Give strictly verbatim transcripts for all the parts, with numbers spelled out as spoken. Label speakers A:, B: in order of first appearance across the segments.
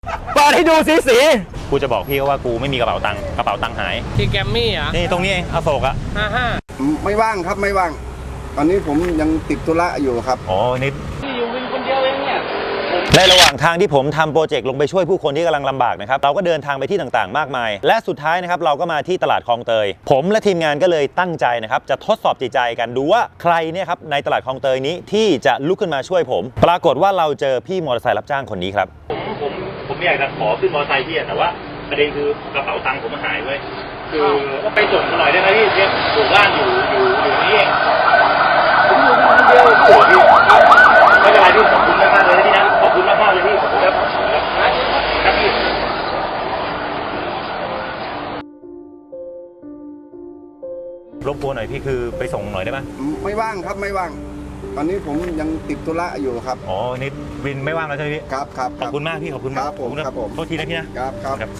A: เปิดให้ดูสีสีกูจะบอกพี่ว่ากูไม่มีกระเป๋าตังค์กระเป๋าตังค์หาย
B: ที่แกมมี่อ่ะ
A: นี่ตรงนี้เองอโศกอะ
B: ห้าห้า
C: ไม่ว่างครับไม่ว่างตอนนี้ผมยังติดธุระอยู่ครับ
A: อ๋อนี่
B: นี่อยู่วินคนเดียวเองเนี่ย
A: ในระหว่างทางที่ผมทำโปรเจกต์ลงไปช่วยผู้คนที่กำลังลำบากนะครับเราก็เดินทางไปที่ต่างๆมากมายและสุดท้ายนะครับเราก็มาที่ตลาดคลองเตยผมและทีมงานก็เลยตั้งใจนะครับจะทดสอบจิตใจกันดูว่าใครเนี่ยครับในตลาดคลองเตยนี้ที่จะลุกขึ้นมาช่วยผมปรากฏว่าเราเจอพี่มอเตอร์ไซค์รับจ้างคนนี้ครับผมผมผมอยากจะขอขึ้นมอเตอร์ไซค์พี่แต่ว่าประเด็นคือกระเป๋าตังค์ผมหายเว้ยคือไปส่งหน่อยได้ไหมพี่เนี่ยอยู่บ้านอยู่อยู่อยู่นี่เองผมอยู่คนเดียวพี่ไม่เป็นไรพี่ขอบคุณมากๆเลยพี่นะขอบคุณมากๆเลยพี่ขอบคุณครับครับพี่รบกวนหน่อยพี่คือไปส่งหน่อยได้ไหม
C: ไม่ว่างครับไม่ว่างตอนนี้ผมยังติดธุระอยู่ครับ
A: อ๋อนี่วินไม่ว่างแล้วใช่ไหมพี่
C: ครับครับ
A: ขอบคุณมากพี่ขอบคุณมาก
C: ครับผมครับผม
A: โทษทีนะพี่นะครับ
C: ครับ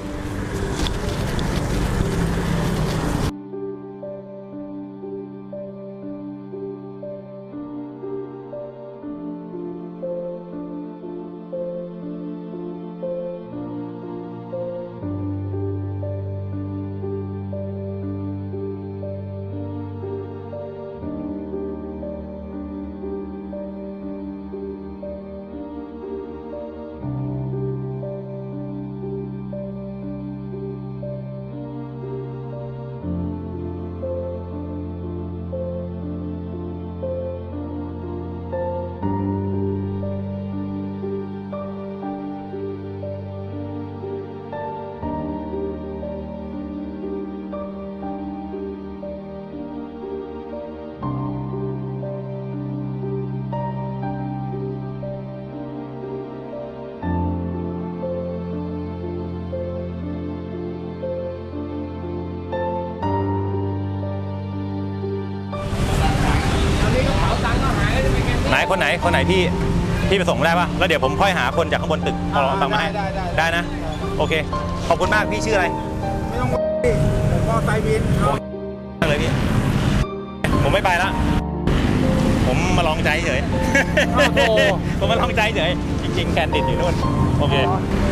A: ไหนคนไหนคนไหนพี่พี่ไปส่งได้ปะแล้วเดี๋ยวผมค่อยหาคนจากข้างบนตึกเอาตังค์มาให้ได้นะโอเคขอบคุณมากพี่ชื่ออะไร
C: ไม่ต้องพี่ผมก็ไซบิน
A: เลยพี่ผมไม่ไปละผมมาลองใจเฉยผมมาลองใจเฉยจริงๆแคนดิดอยู่นู่นโอเค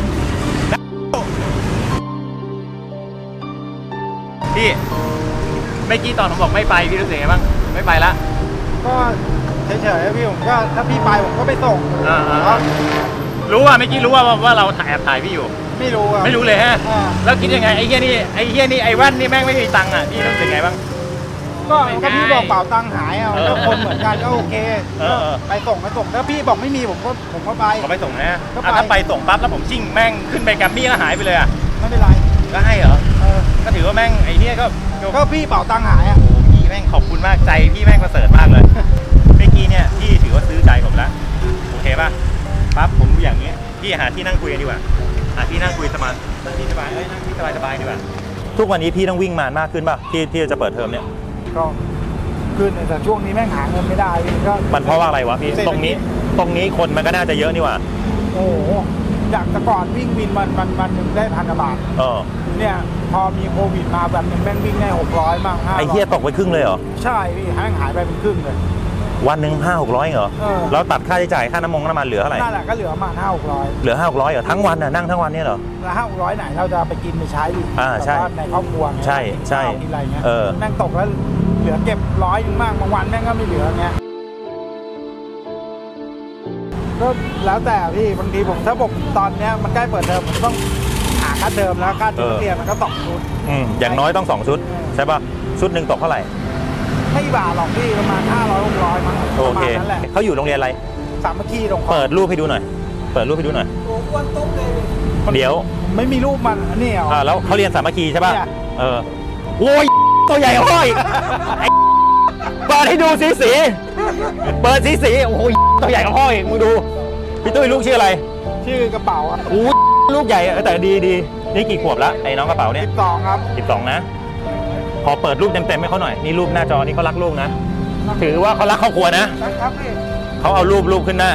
A: พี่เมื่อกี้ตอนผมบอกไม่ไปพี่รู้สึกไงบ้างไม่ไปละ
C: ก็เฉยๆพี่ผมก็ถ้าพี่ไปผมก็ไปส่ง
A: รู้ว่าเมื่อกี้รู้ว่าว่าเราถ่ายแอบถ่ายพี่อยู่
C: ไม่รู้อ่ะ
A: ไม่รู้เลยฮะแล้วคิดยังไงไอ้เหี้ยนี่ไอ้เหี้ยนี่ไอ้แว่นนี่แม่งไม่มีตังค์อ่ะพี่รู้สึกไงบ้าง
C: ก็ถ้าพี่บอกเป๋าตังค์หายอ่ะก็คนเหมือนกันก็โอเคไปส่งไปส่งถ้าพี่บอกไม่มีผมก็ผมก็ไป
A: ก็ไปส่งนะถ้าไปส่งปั๊บแล้วผมชิ่งแม่งขึ้นไปแกมมี่แล้วหายไปเลยอ่ะ
C: ไม่เป็นไร
A: ก็ให้เหรอก็ถือว่าแม่งไอ้เนี่ยก็
C: ก็พี่เป๋าตังค์หายอ่ะ
A: พี่แม่งขอบคุณมากใจพี่แม่งประเสริฐมากเลยเมื่อกี้เนี่ยพี่ถือว่าซื้อใจผมแล้วโอเคป่ะปั๊บผมอย่างเงี้ยพี่หาที่นั่งคุยกันดีกว่าหาที่นั่งคุยสบายนั่งที่สบายเอ้ยนั่งที่สบายสบายดีกว่าทุกวันนี้พี่ต้องวิ่งมามากขึ้นป่ะที่ที่จะเปิดเทอมเนี่ย
C: ก็ขึ้นแต่ช่วงนี้แม่งหาเงินไม่ได้ก็
A: มันเพราะว่าอะไรวะพี่ตรงนี้ตรงนี้คนมันก็น่าจะเยอะนี่หว่า
C: โอ้โหจากแต่ก่อนวิ่งวินมันมันมันหนึ่งได้พันกว่าบาท
A: เออ
C: เนี่ยพอมีโควิดมาแบบนึงแม่งวิ่งได้หกร้อยมั่งห้า
A: ไอ้เหี้ยตกไปครึ่งเลยเหรอ
C: ใช่พี่หายหายไปเป็นครึ่งเลย
A: วันหนึ่งห้าหกร้อยเหรอแล้วตัดค่าใช้จ่ายค่าน้ำมันน้ำมันเหลือเท่าไหร่
C: นั่นแหละก็เหลือมาห้าหกร้อย
A: เหลือห้าหกร้อยเหรอทั้งวันน่ะนั่งทั้งวันเนี่ยเหรอ
C: แล้วห้าหกร้อยไหนเราจะไปกินไปใช้ดิ
A: อ่าใช่
C: ในครอบครัว
A: ใช่ใช่
C: กินอะไรเงี้ย
A: เออ
C: แม่งตกแล้วเหลือเก็บร้อยนึงมากบางวันแม่งก็ไม่เหลือเงี้ยก็แล้วแต่พี่บางทีผมถ้าผมตอนเนี้ยมันใกล้เปิดเทอมผมต้องหาค่าเทอมแล้วค่าชุดเรียนมันก็สองชุด
A: อืมอย่างน้อยต้องสองชุดใช่ป่ะชุดหนึ่งตกเท่าไหร่
C: ไม่บาทหรอกพี่ประมาณห้าร้อยหกร้อยมั้ง
A: โอเคเขาอยู่โรงเรียนอะไร
C: สามัคคีตรง
A: เปิดรูปให้ดูหน่อยเปิดรูปให้ดูหน่อย
C: โอ้อ้วนตุ๊บเลย
A: เดี๋ยว
C: ไม่มีรูปมันนี่เหรอ
A: อ่าแล้วเขาเรียนสามัคคีใช่ป่ะเออโอ้ยตัวใหญ่ห้อยเปิดให้ดูสีสีเปิดสีสีโอ้ยตัวใหญ่ห้อยมึงดูพี่ตุ้ยลูกชื่ออะไร
C: ชื่อกระเป๋าอ่ะ
A: โอ้ลูกใหญ่แต่ดีดีนี่กี่ขวบแล้วไอ้น้องกระเป๋าเนี่ย
C: สิบสองครับ
A: สิบสองนะขอเปิดรูปเต็มๆให้เขาหน่อยนี่รูปหน้าจอนี่เขารักลูกนะถือว่าเขารักครอบครัวนะครับ
C: พี่
A: เขาเอารูปรูปขึ้นหน้า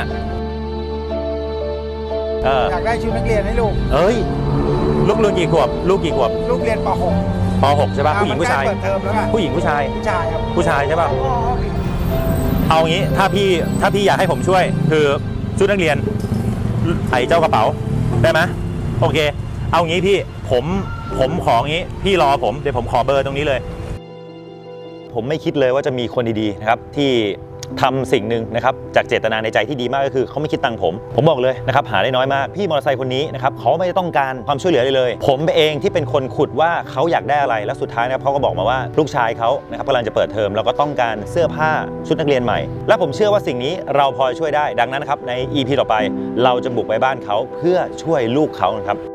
C: เอออยากได้ชุดนักเรียนให้ลูก
A: เอ้ยลูกเรียนกี่ขวบลูกกี่ขวบ
C: ลูกเรียนป หก
A: ป หกใช่ป่ะผู้หญิงผู้ชายผู้หญิงผู้ชาย
C: ผู้ชายครับ
A: ผู้ชายใช่ป่ะเอางี้ถ้าพี่ถ้าพี่อยากให้ผมช่วยคือชุดนักเรียนไอ้เจ้ากระเป๋าได้ไหมโอเคเอางี้พี่ผมผมของี้พี่รอผมเดี๋ยวผมขอเบอร์ตรงนี้เลย ผมไม่คิดเลยว่าจะมีคนดีๆนะครับที่ทำสิ่งหนึ่งนะครับจากเจตนาในใจที่ดีมากก็คือเขาไม่คิดตังค์ผมผมบอกเลยนะครับหาได้น้อยมากพี่มอเตอร์ไซค์คนนี้นะครับเขาไม่ได้ต้องการความช่วยเหลือเลยเลยผมเองที่เป็นคนขุดว่าเขาอยากได้อะไรแล้วสุดท้ายนะครับเขาก็บอกมาว่าลูกชายเขานะครับกำลังจะเปิดเทอมแล้วก็ต้องการเสื้อผ้าชุดนักเรียนใหม่และผมเชื่อว่าสิ่งนี้เราพอช่วยได้ดังนั้นนะครับใน อี พี ต่อไปเราจะบุกไปบ้านเขาเพื่อช่วยลูกเขานะครับ